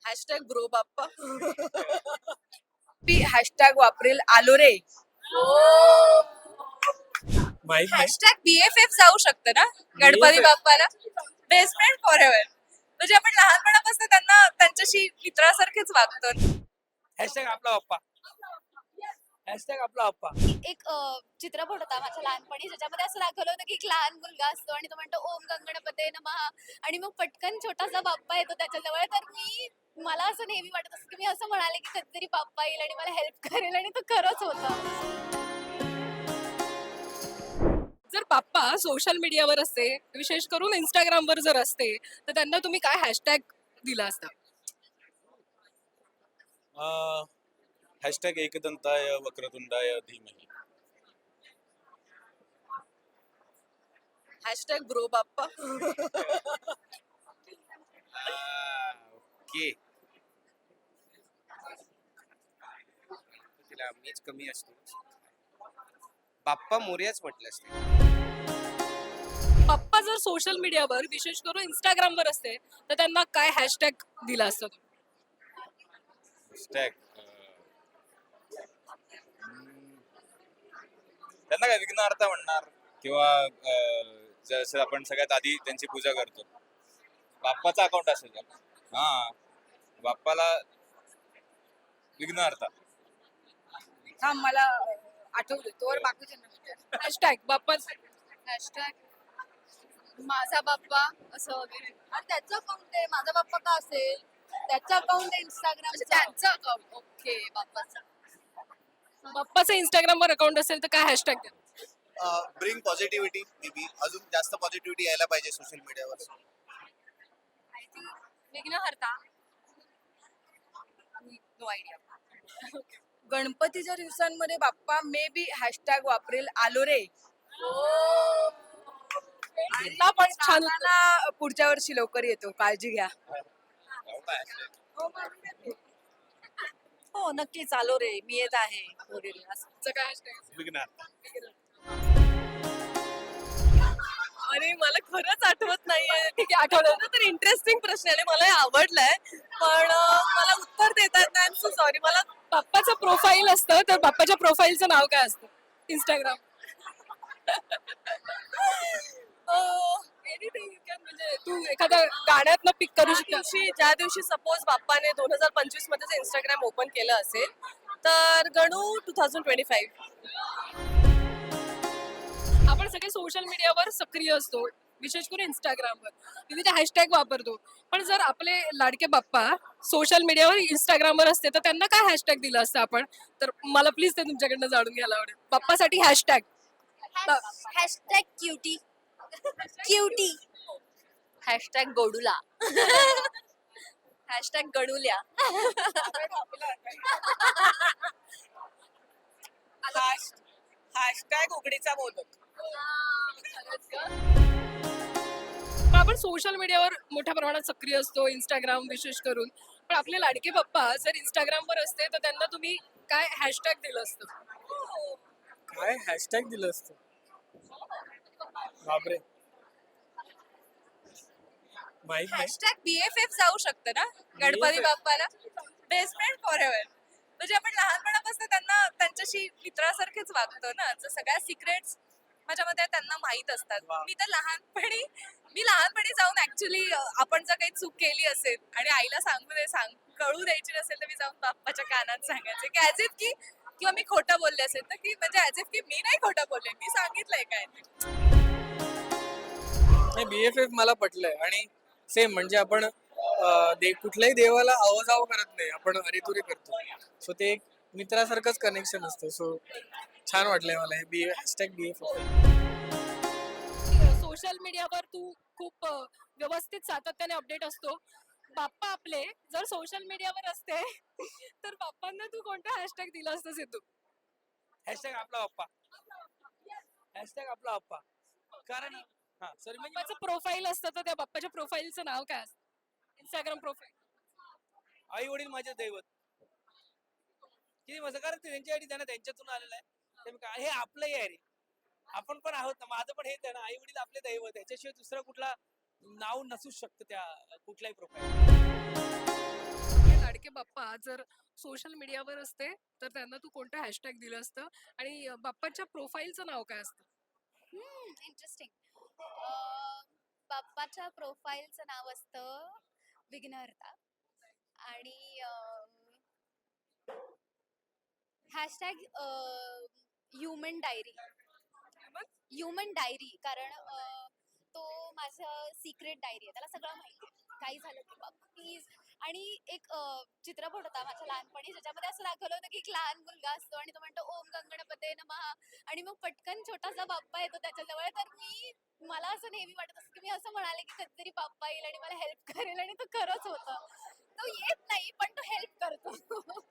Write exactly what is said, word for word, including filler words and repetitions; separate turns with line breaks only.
Hashtag bro Bappa. मी hashtag वापरेल आलो रे.
माहित नाही.
हॅशटॅग बीएफएफ जाऊ शकतं ना गणपती बाप्पाला. Best friend forever. म्हणजे आपण लहानपणापासून त्यांना त्यांच्याशी मित्रासारखेच वागतो.
हॅशटॅग आपला बाप्पा. हॅशटॅग आपला बाप्पा.
एक अ, चित्रपट होता माझ्या लहानपणी ज्याच्यामध्ये असं दाखवलं होतं की एक लहान मुलगा असतो आणि तो म्हणतो ओम गंगणपते नमः आणि मग पटकन छोटासा बाप्पा येतो त्याच्याजवळ. तर मी मला असं नेहमी वाटत असतं की मी असं म्हणाले की कधीतरी बाप्पा येईल आणि मला हेल्प करेल आणि तो खरंच होतं.
जर बाप्पा सोशल मीडियावर असते, विशेष करून इंस्टाग्रामवर जर असते, तर त्यांना तुम्ही काय हॅशटॅग दिला असता?
हॅशटॅग एकदंताय वक्रतुंडाय धीमहि.
Hashtag bro Bappa.
ओके. तिला मीच कमी असतो. बाप्पा मोरयाच म्हटलं असते.
बाप्पा जर सोशल मीडियावर, विशेष करून इंस्टाग्रामवर असते, तर त्यांना काय हॅशटॅग दिला असता?
हॅशटॅग त्यांना काय विघ्नहर्ता म्हणणार किंवा अं, जसं आपण सगळ्यात आधी त्यांची पूजा करतो. बाप्पाचा अकाउंट असेल का? हा, बाप्पाला विघ्नहर्ता.
हा मला आठवलं तोवर बाकीच्या
हॅशटॅग बाप्पा.
हॅशटॅग माझा बाप्पा असं वगैरे. आणि त्याचं अकाउंट आहे माझा बाप्पा का असेल. त्याचं अकाउंट आहे इंस्टाग्राम. त्यांचं अकाउंट ओके बाप्पाचं.
बाप्पाचं इंस्टाग्रामवर अकाउंट असेल तर काय हॅशटॅग द्या?
ब्रिंग पॉझिटिव्हिटी मे बी अजून जास्त पॉझिटिव्हिटी यायला पाहिजे सोशल मीडियावर.
विघ्नहर्ता. No idea. गणपतीच्या दिवसांमध्ये बाप्पा मे बी हॅशटॅग वापरेल आलो रे.
त्यांना पण छान उत्तर.
सांगायला पुढच्या वर्षी लवकर येतो काळजी घ्या. हो नक्कीच आलो रे मी येत आहे वगैरे असं.
त्याचं काय हॅशटॅग?
विघ्नहर्ता.
अरे मला खरंच आठवत नाहीये. ठीक आहे, आठवलं तर इंटरेस्टिंग प्रश्न आहे. मला हे आवडलाय, पण अं, मला उत्तर देता येत नाही. So sorry. मला बाप्पाचं प्रोफाईल असतं, तर बाप्पाच्या प्रोफाईलचं नाव काय असतं इंस्टाग्राम? Anything you can. म्हणजे तू एखाद्या गाण्यातनं पिक करू
ज्या
शकता.
दिवशी ज्या दिवशी सपोज बाप्पाने दोन हजार पंचवीस मध्ये इंस्टाग्राम ओपन केलं असेल तर Ganu two thousand twenty five.
आपण सगळे सोशल मीडियावर सक्रिय असतो, विशेष करून इंस्टाग्रामवर विविध हॅशटॅग वापरतो. पण जर आपले लाडके बाप्पा सोशल मीडियावर इंस्टाग्रामवर असते, तर त्यांना काय हॅशटॅग दिलं असतं आपण? तर मला प्लीज ते तुमच्याकडनं जाणून घ्यायला आवडेल. बाप्पासाठी hashtag.
Hashtag cutie cutie.
Hashtag गोडूला. हॅशटॅग गणूल्या.
हॅशटॅग उघडीचा मोदक.
पण आपण सोशल मीडियावर मोठ्या प्रमाणात सक्रिय असतो, इंस्टाग्राम विशेष करून. पण आपले लाडके बाप्पा जर इंस्टाग्रामवर असते, तर त्यांना तुम्ही काय हॅशटॅग दिलं असतं?
काय हॅशटॅग दिलं असतं? बापरे. माहित नाही.
हॅशटॅग बीएफएफ जाऊ शकतं ना गणपती बाप्पाला. Best friend forever. म्हणजे आपण लहानपणापासून त्यांना त्यांच्याशी मित्रासारखेच वागतो ना. तर सगळ्या सिक्रेट्स माझ्या मते त्यांना माहित असतात.
वा.
मी तर लहानपणी मी लहानपणी जाऊन ऍक्च्युली आपण जर काही चूक केली असेल आणि आईला सांगू दे सांग कळू द्यायची नसेल तर मी जाऊन बाप्पाच्या कानात सांगायचे की ऍज इफ की किंवा मी खोटं बोलले असेल तर की म्हणजे ऍज इफ की मी नाही खोटं बोलले मी सांगितलंय काय.
नाही, बीएफएफ मला पटलंय आणि सेम म्हणजे आपण अं, दे कुठल्याही देवाला अवजाव करत नाही, आपण अरेतुरे करतो. सो ते एक मित्रासारखंच कनेक्शन असतं. सो छान वाटलंय मला हे बी हॅशटॅग बीएफएफ.
सोशल मीडियावर तू खूप अ, व्यवस्थित सातत्याने अपडेट असतो. बाप्पा आपले जर सोशल मीडियावर असते, तर बाप्पांना तू कोणता हॅशटॅग दिला असतं सिद्धू?
हॅशटॅग आपला बाप्पा. हॅशटॅग आपला बाप्पा. कारण हा सॉरी म्हणजे
बाप्पाचं प्रोफाईल असतं, तर त्या बाप्पाच्या प्रोफाईलचं नाव काय असतं? Instagram profile.
आई वडील माझे दैवत. किती मजा, कारण त्यांच्यासाठी त्यांना त्यांच्यातून आलेलं आहे. ते काय हे आपलंही आहे रे. आपण पण आहोत ना, माझं पण हेच आहे ना, आई वडील आपले दैवत. ह्याच्याशिवाय दुसरा कुठला नाव नसूच शकतं त्या कुठल्याही प्रोफाईल.
बाप्पा जर सोशल मीडियावर असते तर त्यांना तू कोणतं हॅशटॅग दिलं असतं आणि अं, बाप्पाच्या प्रोफाईलचं नाव काय असतं?
इंटरेस्टिंग. बाप्पाच्या प्रोफाईलचं नाव असतं विघ्नहर्ता आणि hashtag human diary. Human diary कारण अं, तो माझं सिक्रेट डायरी आहे, त्याला सगळं माहिती आहे काही झालं की बाप्पा प्लीज. आणि एक अं, चित्रपट होता माझ्या लहानपणी ज्याच्यामध्ये असं दाखवलं होतं की एक लहान मुलगा असतो आणि तो म्हणतो ओम गंगणपते नमः आणि मग पटकन छोटासा बाप्पा येतो त्याच्याजवळ. तर मी मला असं नेहमी वाटत असतं की मी असं म्हणाले की कधीतरी बाप्पा येईल आणि मला हेल्प करेल आणि तो खरंच होतं. तो येत नाही पण तो हेल्प करतो.